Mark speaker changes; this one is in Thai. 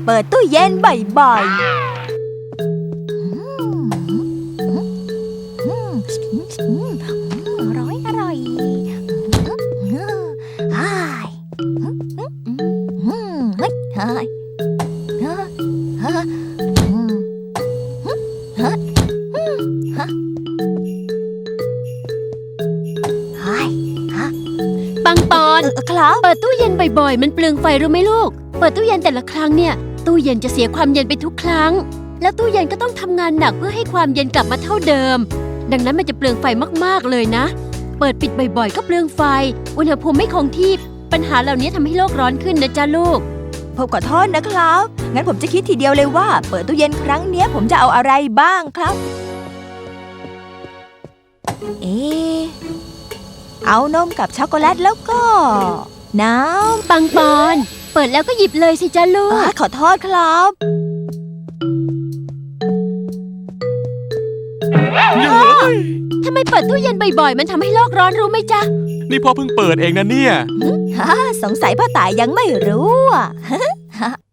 Speaker 1: เปิดตู้เย็นบ่อยๆอร่อยอ้ายเฮ้ยเฮ้ย
Speaker 2: ปังปอน
Speaker 1: ครับ
Speaker 2: เปิดตู้เย็นบ่อยๆมันเปลืองไฟรู้ไหมลูกเปิดตู้เย็นแต่ละครั้งเนี่ยตู้เย็นจะเสียความเย็นไปทุกครั้งแล้วตู้เย็นก็ต้องทำงานหนักเพื่อให้ความเย็นกลับมาเท่าเดิมดังนั้นมันจะเปลืองไฟมากๆเลยนะเปิดปิดบ่อยๆก็เปลืองไฟอุณหภูมิไม่คงที่ปัญหาเหล่านี้ทำให้โลกร้อนขึ้นนะจ๊ะลูก
Speaker 1: ผมขอโทษนะครับงั้นผมจะคิดทีเดียวเลยว่าเปิดตู้เย็นครั้งเนี้ยผมจะเอาอะไรบ้างครับเอานมกับช็อกโกแลตแล้วก็น้ำ
Speaker 2: ปังปอนเปิดแล้วก็หยิบเลยสิจ๊ะลูก
Speaker 1: ขอโทษครับ
Speaker 2: ทำไมเปิดตู้เย็นบ่อยๆมันทำให้โลกร้อนรู้ไหมจ๊ะ
Speaker 3: นี่พ่อเพิ่งเปิดเองนะเนี่ย
Speaker 1: สงสัยพ่อตายยังไม่รู้